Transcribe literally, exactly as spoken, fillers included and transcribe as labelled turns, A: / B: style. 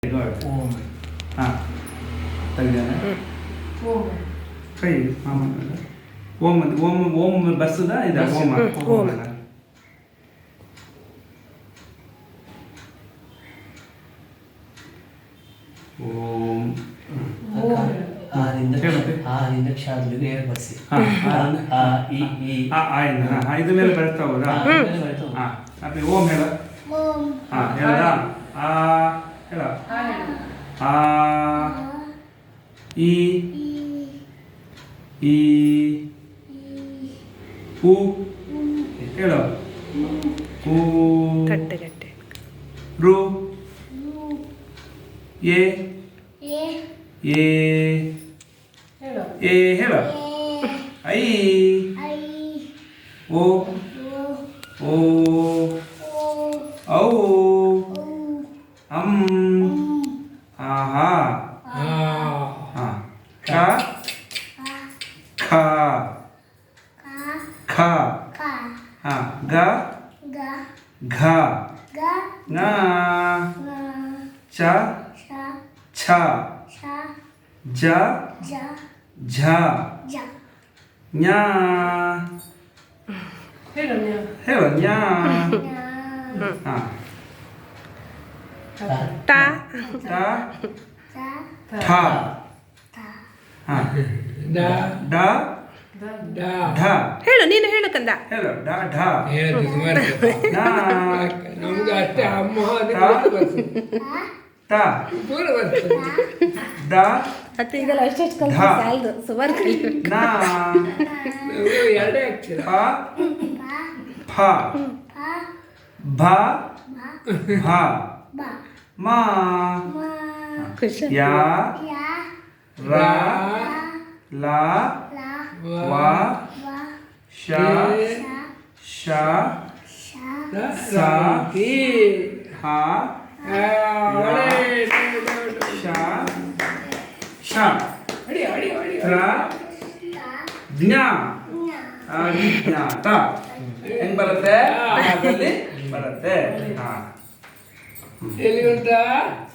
A: Good. Om. Ah. ತೆಗೆದಾನೆ. ಓಂ. ಕೈ ಮಾಮನ. ಓಂ ಓಂ ಓಂ ಬಸ್ಸದ ಇದು ಓಂ ಓಂ. ಓಂ.
B: ಆರಿಂದ ಆರಿಂದ ಕ್ಷಾದ್ರಿಗೆ ಹೇಳಿ ಬರ್ಸಿ.
A: ಆ
B: ಈ ಈ
A: ಆ ಆಯ್ನ ಆ ಇದು ಮೇಲೆ ಬರ್ತಾ ಹೋದಾ? ಹಾ. ಅಪ್ಪಿ ಓಂ ಹೇಳ.
C: ಓಂ.
A: ಹಾ ಹೇಳದ? ಆ ಹೇಳ. ಆ ಈ ಈ ಉ ಹೇಳು. ಉ
D: ಕಟ್ಟೆ ಕಟ್ಟೆ
A: ರು ಎ
C: ಎ
A: ಎ
C: ಹೇಳು.
A: ಎ ಹೇಳು. ಐ
C: ಐ
A: ಓ
C: ಓ
A: ಓ
C: ಓ
A: ಔ
C: ಓ
A: ಅಂ ಆಹಾ ಹಾ ಕ ಖ
C: ಕ
A: ಖ
C: ಕ
A: ಹಾ ಗ
C: ಗ
A: ಘ
C: ಗ
A: ङ
C: ನ
A: ಚ
C: ಶ
A: ಛ
C: ಶ
A: ಜ
C: ಜ
A: ಝ
C: ಜ
A: ಞ
C: ಹೇಳು ನ್ಯಾ
A: ಹೇಳು ಞ
C: ನ್ಯಾ
A: ಹಾ
D: ಟ
A: ಟ
C: ತ
A: ಠ
C: ತ
A: ಹಾ
E: ಡ
A: ಡ
E: ಡ
A: ಢ
D: ಹೇಳು ನೀನು ಹೇಳು ಕಂದ.
A: ಹೇಳು ಡ ಢ
E: ಹೇಳಿ ಸುಮಾರು
A: ನ
E: ನಮ್ಗೆ ಅಷ್ಟೇ ಅಮ್ಮ
A: ತ
E: ಬರ್ತದೆ
A: ತ
E: ಪೂರ ಬರ್ತದೆ
A: ಡ
D: ಮತ್ತೆ ಈಗೆಲ್ಲ ಅಷ್ಟೆಷ್ಟು ಕಲ್ತು
A: ಧ.
D: ಸಾಲದು ಸುಮಾರು ಕಲಿಬೇಕು.
A: ನ
E: ನಮ್ಗೆ ಎರಡೇ ಆಗ್ತೀರ
A: ಪ
C: ಪ
A: ಫ
C: ಪ
A: ಭ
C: ಮ
A: ಭ
C: ಬ
A: ಮ
C: ಮ
D: ಖುಷಿ.
A: ಯ
C: ಯಾ
A: ರ ಲ
C: ಲ
A: ವ
C: ವ
A: ಶ
C: ಶ
A: ಶ
C: ಶ
A: ಸ
E: ಈ
A: ಹ ಶ ಶ
E: ಅಡಿ ಅಡಿ ಅಡಿ
A: ರ
C: ತ
A: ಜ್ಞ
C: ಜ್ಞ
A: ಅಜ್ಞಾತ ಹೆಂಗ್ ಬರುತ್ತೆ? ಹಾಗಲ್ಲಿ ಬರುತ್ತೆ. ಹಾ
E: ಎಲ್ಲಿ ಉಂಟಾ